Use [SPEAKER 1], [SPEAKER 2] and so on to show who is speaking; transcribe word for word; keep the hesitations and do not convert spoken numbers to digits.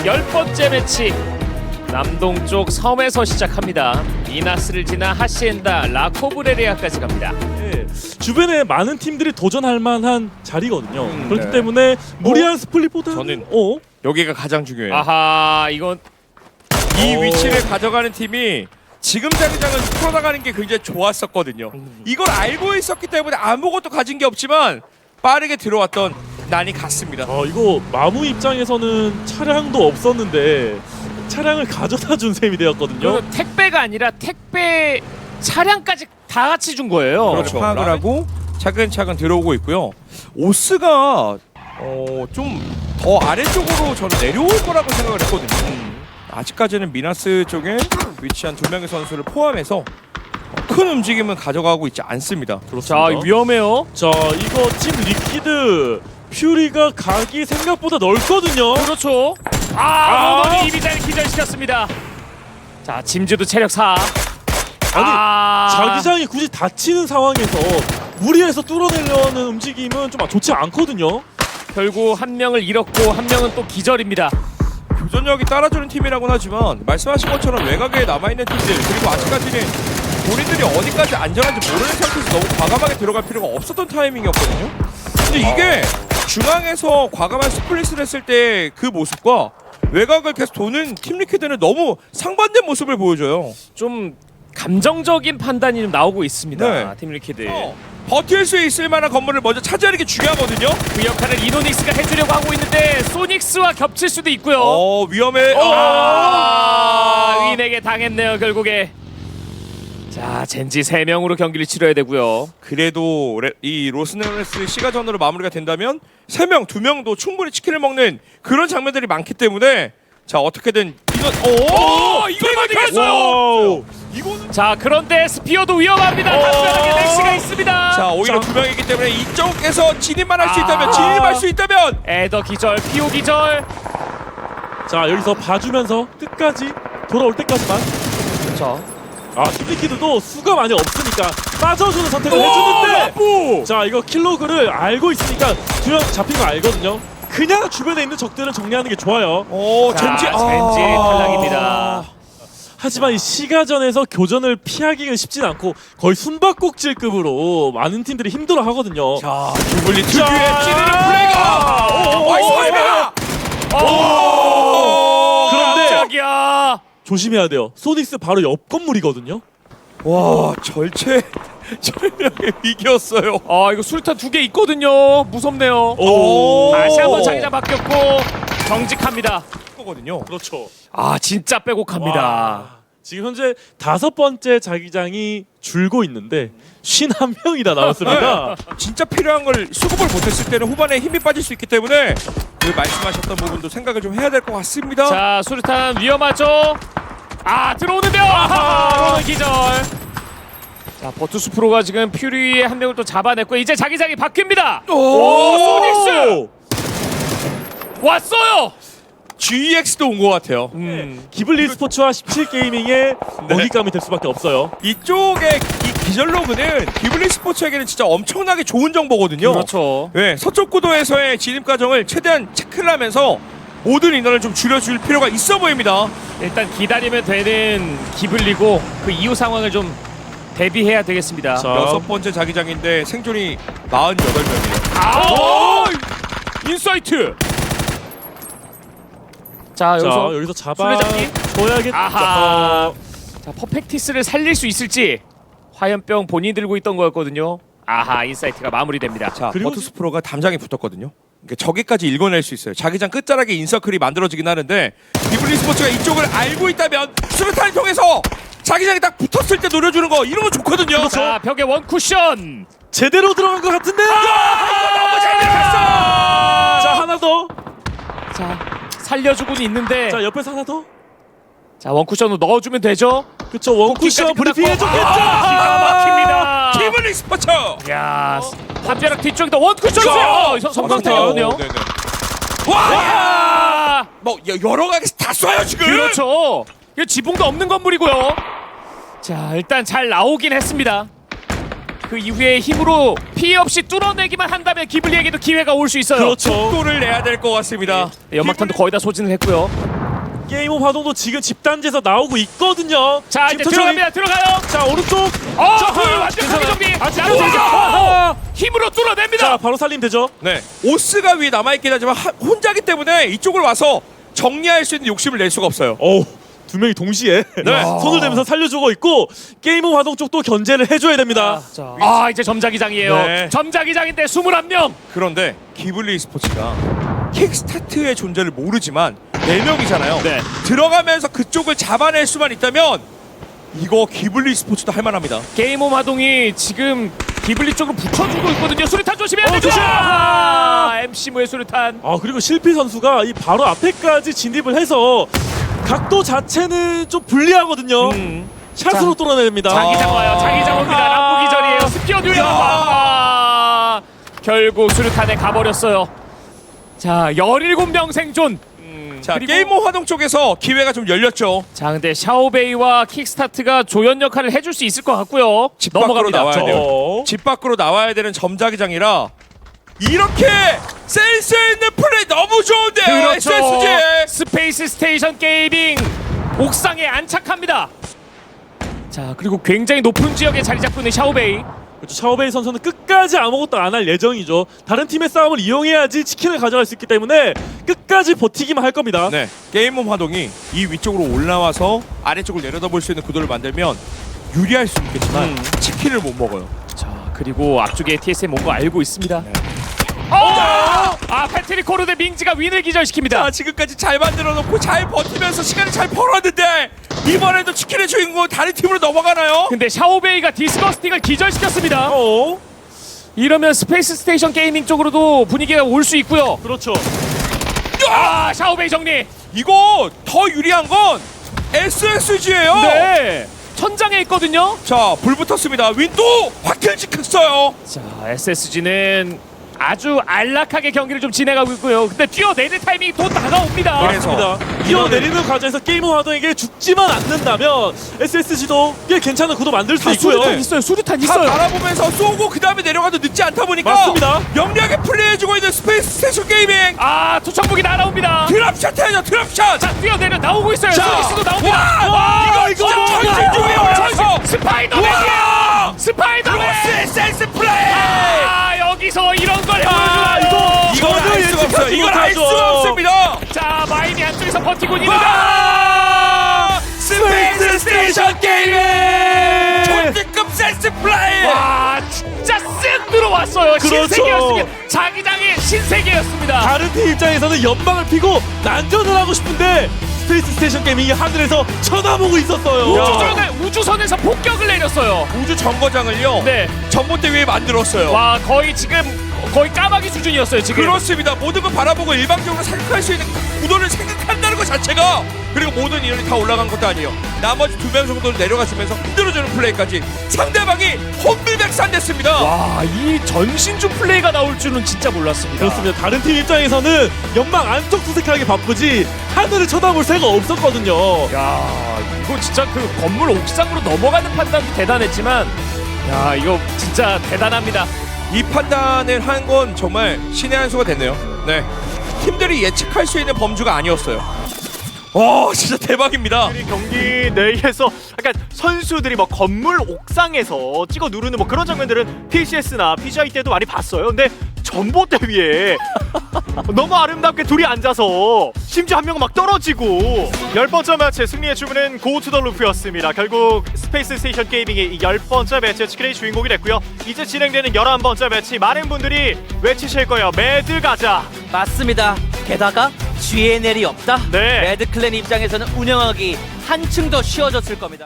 [SPEAKER 1] 열 번째 매치 남동쪽 섬에서 시작합니다. 미나스를 지나 하시엔다, 라코브레리아까지 갑니다.
[SPEAKER 2] 네, 주변에 많은 팀들이 도전할 만한 자리거든요.
[SPEAKER 3] 음,
[SPEAKER 2] 그렇기
[SPEAKER 3] 네.
[SPEAKER 2] 때문에 무리한 스플릿보다
[SPEAKER 3] 저는
[SPEAKER 2] 어?
[SPEAKER 3] 여기가 가장 중요해요.
[SPEAKER 1] 아하, 이건
[SPEAKER 3] 이
[SPEAKER 2] 오.
[SPEAKER 3] 위치를 가져가는 팀이 지금 자기장은 풀어나가는 게 굉장히 좋았었거든요. 이걸 알고 있었기 때문에 아무것도 가진 게 없지만 빠르게 들어왔던 난이 갔습니다.
[SPEAKER 2] 어, 이거 마무 입장에서는 차량도 없었는데 차량을 가져다 준 셈이 되었거든요.
[SPEAKER 1] 이건 택배가 아니라 택배 차량까지 다 같이 준 거예요.
[SPEAKER 3] 그렇죠. 파악을 하고 차근차근 들어오고 있고요. 오스가 어, 좀 더 아래쪽으로 저는 내려올 거라고 생각을 했거든요.
[SPEAKER 1] 음.
[SPEAKER 3] 아직까지는 미나스 쪽에 위치한 두 명의 선수를 포함해서 큰 움직임은 가져가고 있지 않습니다.
[SPEAKER 1] 자,
[SPEAKER 2] 그렇습니다.
[SPEAKER 1] 위험해요.
[SPEAKER 2] 자, 이거 팀 리퀴드 퓨리가 각이 생각보다 넓거든요.
[SPEAKER 1] 그렇죠. 아,
[SPEAKER 2] 아.
[SPEAKER 1] 모던이 이비자를 기절시켰습니다. 자, 짐즈도 체력 사.
[SPEAKER 2] 아니,
[SPEAKER 1] 아.
[SPEAKER 2] 자기장이 굳이 다치는 상황에서 무리해서 뚫어내려는 움직임은 좀 좋지 않거든요.
[SPEAKER 1] 결국 한 명을 잃었고 한 명은 또 기절입니다.
[SPEAKER 3] 교전력이 따라주는 팀이라고는 하지만 말씀하신 것처럼 외곽에 남아있는 팀들 그리고 아직까지는 본인들이 어디까지 안전한지 모르는 상태에서 너무 과감하게 들어갈 필요가 없었던 타이밍이었거든요. 근데 이게 중앙에서 과감한 스플릿을 했을 때 그 모습과 외곽을 계속 도는 팀 리퀴드는 너무 상반된 모습을 보여줘요.
[SPEAKER 1] 좀 감정적인 판단이 좀 나오고 있습니다.
[SPEAKER 3] 네.
[SPEAKER 1] 팀 리퀴드.
[SPEAKER 3] 어, 버틸 수 있을 만한 건물을 먼저 차지하는 게 중요하거든요.
[SPEAKER 1] 그 역할을 이노닉스가 해주려고 하고 있는데 소닉스와 겹칠 수도 있고요.
[SPEAKER 3] 어 위험해.
[SPEAKER 1] 아, 윈에게 당했네요 결국에. 자, 젠지 세 명으로 경기를 치러야 되고요.
[SPEAKER 3] 그래도 레, 이 로스네레스 시가전으로 마무리가 된다면 세 명, 두 명도 충분히 치킨을 먹는 그런 장면들이 많기 때문에 자 어떻게든 이건 오, 이걸 막혔어요.
[SPEAKER 2] 와우.
[SPEAKER 3] 이거는
[SPEAKER 1] 자, 그런데 스피어도 위험합니다. 담벼락에 넥시가 있습니다.
[SPEAKER 3] 자 오히려
[SPEAKER 2] 자.
[SPEAKER 3] 두 명이기 때문에 이쪽에서 진입만 할 수
[SPEAKER 1] 아.
[SPEAKER 3] 있다면 진입할 수 있다면
[SPEAKER 1] 에더 기절, 피오 기절.
[SPEAKER 2] 자, 여기서 봐주면서 끝까지 돌아올 때까지만.
[SPEAKER 1] 그렇죠.
[SPEAKER 2] 아, 팀리퀴드도 수가 많이 없으니까 빠져주는 선택을
[SPEAKER 3] 오,
[SPEAKER 2] 해주는데
[SPEAKER 3] 나쁘!
[SPEAKER 2] 자, 이거 킬로그를 알고 있으니까 두 명 잡힌 거 알거든요. 그냥 주변에 있는 적들을 정리하는 게 좋아요.
[SPEAKER 3] 오
[SPEAKER 1] 자,
[SPEAKER 3] 젠지 아.
[SPEAKER 1] 젠지 탈락입니다.
[SPEAKER 2] 하지만 이 시가전에서 교전을 피하기가 쉽진 않고 거의 숨바꼭질급으로 많은 팀들이 힘들어 하거든요.
[SPEAKER 3] 자 기블리
[SPEAKER 2] 자.
[SPEAKER 3] 특유의 찌르는 플레이가
[SPEAKER 2] 오,
[SPEAKER 3] 와이스
[SPEAKER 2] 오,
[SPEAKER 3] 파이브야.
[SPEAKER 2] 그런데
[SPEAKER 1] 깜짝이야.
[SPEAKER 2] 조심해야 돼요. 소닉스 바로 옆 건물이거든요.
[SPEAKER 3] 와 절체 절명의 위기였어요.
[SPEAKER 1] 아, 이거 수류탄 두 개 있거든요. 무섭네요.
[SPEAKER 2] 오.
[SPEAKER 1] 다시 한번 자기장 바뀌었고 정직합니다.
[SPEAKER 3] 거거든요.
[SPEAKER 2] 그렇죠.
[SPEAKER 1] 아, 진짜 빼곡합니다.
[SPEAKER 2] 와. 지금 현재 다섯 번째 자기장이 줄고 있는데 쉰한 명이나 남았습니다.
[SPEAKER 3] 진짜 필요한 걸 수급을 못했을 때는 후반에 힘이 빠질 수 있기 때문에 그 말씀하셨던 부분도 생각을 좀 해야 될 것 같습니다.
[SPEAKER 1] 자, 수류탄 위험하죠. 아, 들어오는데요. 아하, 오늘 기절. 자, 버투스 프로가 지금 퓨리의 한 명을 또 잡아냈고 이제 자기장이 바뀝니다. 오, 소닉스 왔어요.
[SPEAKER 3] 지엑스도 온 것 같아요.
[SPEAKER 1] 음,
[SPEAKER 2] 기블리 스포츠와 십칠 게이밍의 먹잇감이 될 수밖에 없어요.
[SPEAKER 3] 이쪽의 이 기절 로그는 기블리 스포츠에게는 진짜 엄청나게 좋은 정보거든요.
[SPEAKER 1] 그렇죠.
[SPEAKER 3] 네, 서쪽 구도에서의 진입 과정을 최대한 체크를 하면서 모든 인원을 좀 줄여줄 필요가 있어 보입니다.
[SPEAKER 1] 일단 기다리면 되는 기블리고 그 이후 상황을 좀 대비해야 되겠습니다.
[SPEAKER 2] 자.
[SPEAKER 3] 여섯 번째 자기장인데 생존이 사십팔 명이에요.
[SPEAKER 1] 아, 인사이트. 자,
[SPEAKER 2] 자,
[SPEAKER 1] 여기서
[SPEAKER 2] 여기서 잡아
[SPEAKER 1] 술래잡기?
[SPEAKER 2] 줘야겠죠.
[SPEAKER 1] 아하. 자, 퍼펙티스를 살릴 수 있을지. 화염병 본인이 들고 있던 거였거든요. 아하, 인사이트가 마무리됩니다.
[SPEAKER 3] 자,
[SPEAKER 2] 그리고
[SPEAKER 3] 버투스 프로가 담장에 붙었거든요. 그러니까 저기까지 읽어낼 수 있어요. 자기장 끝자락에 인서클이 만들어지긴 하는데 기블리 스포츠가 이쪽을 알고 있다면 수류탄을 통해서 자기장에 딱 붙었을 때 노려주는 거 이런 거 좋거든요.
[SPEAKER 1] 자, 벽에 원 쿠션.
[SPEAKER 2] 제대로 들어간 것 같은데요.
[SPEAKER 3] 너무 잘 들어갔어.
[SPEAKER 2] 자, 하나 더.
[SPEAKER 1] 자, 살려주고는 있는데.
[SPEAKER 2] 자,
[SPEAKER 1] 자,
[SPEAKER 2] 옆에서 하나 더.
[SPEAKER 1] 원 쿠션으로 넣어주면 되죠.
[SPEAKER 2] 그쵸, 원쿠션
[SPEAKER 1] 쿠키까지
[SPEAKER 2] 브리핑
[SPEAKER 1] 끝났고.
[SPEAKER 2] 해줬겠죠.
[SPEAKER 1] 아, 기가 막힙니다.
[SPEAKER 3] 기블리 스포츠.
[SPEAKER 1] 야, 한벼락 뒤쪽에다 원 쿠션
[SPEAKER 2] 자,
[SPEAKER 1] 쏘요. 성광탄이거든요.
[SPEAKER 3] 네네. 와,
[SPEAKER 1] 와,
[SPEAKER 3] 뭐 여- 여러 가지 다 쏴요 지금.
[SPEAKER 1] 그렇죠. 이거 지붕도 없는 건물이고요. 자, 일단 잘 나오긴 했습니다. 그 이후에 힘으로 피해 없이 뚫어내기만 한다면 기블리에게도 기회가 올 수 있어요.
[SPEAKER 2] 그렇죠.
[SPEAKER 3] 속도를 내야 될 것 같습니다.
[SPEAKER 1] 네, 연막탄도 거의 다 소진을 했고요.
[SPEAKER 2] 게임 오브 화동도 지금 집단지에서 나오고 있거든요.
[SPEAKER 1] 자 이제
[SPEAKER 2] 지금 천천히-
[SPEAKER 1] 들어갑니다. 들어가요.
[SPEAKER 2] 자 오른쪽.
[SPEAKER 1] 어,
[SPEAKER 2] 자,
[SPEAKER 1] 그 완벽하게
[SPEAKER 2] 괜찮아요.
[SPEAKER 1] 정리.
[SPEAKER 2] 아직
[SPEAKER 1] 나오죠.
[SPEAKER 2] 괜찮아요.
[SPEAKER 1] 힘으로 뚫어냅니다.
[SPEAKER 2] 자 바로 살림 되죠.
[SPEAKER 3] 네. 오스가 위에 남아있긴 하지만 하, 혼자기 때문에 이쪽으로 와서 정리할 수 있는 욕심을 낼 수가 없어요.
[SPEAKER 2] 어우 두 명이 동시에
[SPEAKER 3] 네.
[SPEAKER 2] 손을 대면서 살려주고 있고 게임 오브 화동 쪽도 견제를 해줘야 됩니다.
[SPEAKER 1] 자, 아 이제 점자기장이에요.
[SPEAKER 3] 네.
[SPEAKER 1] 점자기장인데 이십일 명.
[SPEAKER 3] 그런데 기블리 스포츠가 킥스타트의 존재를 모르지만 네 명이잖아요.
[SPEAKER 1] 네.
[SPEAKER 3] 들어가면서 그쪽을 잡아낼 수만 있다면 이거 기블리 스포츠도 할만합니다.
[SPEAKER 1] 게임 오브 화동이 지금 기블리 쪽으로 붙여주고 있거든요. 수류탄 조심해야
[SPEAKER 2] 어,
[SPEAKER 1] 되죠.
[SPEAKER 2] 조심!
[SPEAKER 1] 아, 엠씨무의 수류탄.
[SPEAKER 2] 아 그리고 실피 선수가 이 바로 앞에까지 진입을 해서 각도 자체는 좀 불리하거든요.
[SPEAKER 3] 음.
[SPEAKER 2] 샷으로
[SPEAKER 1] 자,
[SPEAKER 2] 뚫어냅니다.
[SPEAKER 1] 자기장 와요. 자기장 옵니다.
[SPEAKER 2] 아.
[SPEAKER 1] 람보 기절이에요. 스피어 듀얼. 아, 결국 수류탄에 가버렸어요. 자, 십칠 명 생존.
[SPEAKER 3] 자
[SPEAKER 1] 그리고-
[SPEAKER 3] 게임 오브 화동 쪽에서 기회가 좀 열렸죠.
[SPEAKER 1] 자, 근데 샤오베이와 킥스타트가 조연 역할을 해줄 수 있을 것 같고요.
[SPEAKER 3] 집 밖으로
[SPEAKER 1] 넘어갑니다.
[SPEAKER 3] 나와야
[SPEAKER 1] 저-
[SPEAKER 3] 돼요. 집 밖으로 나와야 되는 점자기장이라 이렇게 센스 있는 플레이 너무 좋은데요.
[SPEAKER 1] 그렇죠.
[SPEAKER 3] 에스에스지.
[SPEAKER 1] 스페이스 스테이션 게이밍 옥상에 안착합니다. 자, 그리고 굉장히 높은 지역에 자리 잡고 있는 샤오베이.
[SPEAKER 2] 그렇죠. 샤오베이 선수는 끝까지 아무것도 안 할 예정이죠. 다른 팀의 싸움을 이용해야지 치킨을 가져갈 수 있기 때문에 끝까지 버티기만 할 겁니다.
[SPEAKER 3] 네, 게임 오브 화동이 이 위쪽으로 올라와서 아래쪽을 내려다볼 수 있는 구도를 만들면 유리할 수 있겠지만
[SPEAKER 1] 음.
[SPEAKER 3] 치킨을 못 먹어요.
[SPEAKER 1] 자, 그리고 앞쪽에 티에스엠 온 거 알고 있습니다.
[SPEAKER 3] 네.
[SPEAKER 1] 어! 아, 패트릭 코르데 밍즈가 윈을 기절시킵니다.
[SPEAKER 3] 자, 지금까지 잘 만들어 놓고 잘 버티면서 시간을 잘 벌었는데 이번에도 치킨의 주인공은 다른 팀으로 넘어가나요?
[SPEAKER 1] 근데 샤오베이가 디스거스팅을 기절시켰습니다.
[SPEAKER 2] 어?
[SPEAKER 1] 이러면 스페이스 스테이션 게이밍 쪽으로도 분위기가 올 수 있고요.
[SPEAKER 2] 그렇죠.
[SPEAKER 1] 아, 샤오베이 정리.
[SPEAKER 3] 이거 더 유리한 건 에스에스지예요.
[SPEAKER 1] 네. 천장에 있거든요.
[SPEAKER 3] 자, 불 붙었습니다. 윈도 확실직했어요.
[SPEAKER 1] 자, 에스에스지는 아주 안락하게 경기를 좀 진행하고 있고요. 근데 뛰어내릴 타이밍이 또 다가옵니다.
[SPEAKER 3] 그래서
[SPEAKER 2] 맞습니다. 뛰어내리는 과정에서 게임 오브 화동에게 죽지만 않는다면 에스에스지도 꽤 괜찮은 구도 만들 수
[SPEAKER 1] 아,
[SPEAKER 2] 있고요.
[SPEAKER 1] 수류탄 있어요. 수류탄
[SPEAKER 3] 다
[SPEAKER 1] 있어요.
[SPEAKER 3] 바라보면서 쏘고 그 다음에 내려가도 늦지 않다 보니까
[SPEAKER 2] 맞습니다.
[SPEAKER 3] 영리하게 플레이해주고 있는 스페이스 스테이션 게이밍.
[SPEAKER 1] 아, 투척무기 날아옵니다.
[SPEAKER 3] 드랍샷 해야죠. 드랍샷.
[SPEAKER 1] 자, 뛰어내려 나오고 있어요.
[SPEAKER 3] 자,
[SPEAKER 1] 소니스도 나옵니다.
[SPEAKER 3] 와, 이거 진짜 전신 중에 올라서
[SPEAKER 1] 스파이더맨이야. 스파이더맨.
[SPEAKER 3] 로스 센스 플레이.
[SPEAKER 1] 아, 여기서 이런 걸
[SPEAKER 2] 아,
[SPEAKER 1] 보여주나요?
[SPEAKER 3] 이건 알 수가 없어요. 이건 알 수가 없습니다.
[SPEAKER 1] 자, 마임이 안쪽에서 버티고 있는데
[SPEAKER 3] 와! 스페이스 스테이션 게이밍. 존재급 센스 플레이.
[SPEAKER 1] 와, 진짜 쓱 들어왔어요.
[SPEAKER 2] 그렇죠.
[SPEAKER 1] 신세계였습니다. 자기장의 신세계였습니다.
[SPEAKER 2] 다른 팀 입장에서는 연방을 피고 난전을 하고 싶은데 스페이스 스테이션 게이밍이 하늘에서 쳐다보고 있었어요.
[SPEAKER 1] 우주선에, 우주선에서 폭격을 내렸어요.
[SPEAKER 3] 우주 정거장을요.
[SPEAKER 1] 네.
[SPEAKER 3] 전봇대 위에 만들었어요.
[SPEAKER 1] 와, 거의 지금 거의 까마귀 수준이었어요, 지금.
[SPEAKER 3] 그렇습니다. 모든 걸 바라보고 일방적으로 생각할 수 있는 구도를 생각한다는 것 자체가, 그리고 모든 인원이 다 올라간 것도 아니에요. 나머지 두 명 정도를 내려가시면서 흔들어주는 플레이까지 상대방이 혼비백산됐습니다.
[SPEAKER 1] 와, 이 전신주 플레이가 나올 줄은 진짜 몰랐습니다.
[SPEAKER 2] 그렇습니다. 다른 팀 입장에서는 연방 안쪽 수색하기 바쁘지 하늘을 쳐다볼 새가 없었거든요.
[SPEAKER 1] 야, 이거 진짜 그 건물 옥상으로 넘어가는 판단도 대단했지만, 야, 이거 진짜 대단합니다.
[SPEAKER 3] 이 판단을 한 건 정말 신의 한 수가 됐네요. 네, 팀들이 예측할 수 있는 범주가 아니었어요. 와, 진짜 대박입니다.
[SPEAKER 4] 경기 내에서 약간 선수들이 뭐 건물 옥상에서 찍어 누르는 뭐 그런 장면들은 피씨에스나 피지아이 때도 많이 봤어요. 근데 전봇대 위에 너무 아름답게 둘이 앉아서 심지어 한 명은 막 떨어지고 열 번째 매치 승리의 주문은 고투더 루프였습니다. 결국 스페이스 스테이션 게이밍이 이 열 번째 매치 치킨의 주인공이 됐고요. 이제 진행되는 열한 번째 매치 많은 분들이 외치실 거예요. 매드 가자.
[SPEAKER 5] 맞습니다. 게다가 지엔엘이 없다.
[SPEAKER 4] 네.
[SPEAKER 5] 레드 클랜 입장에서는 운영하기 한층 더 쉬워졌을 겁니다.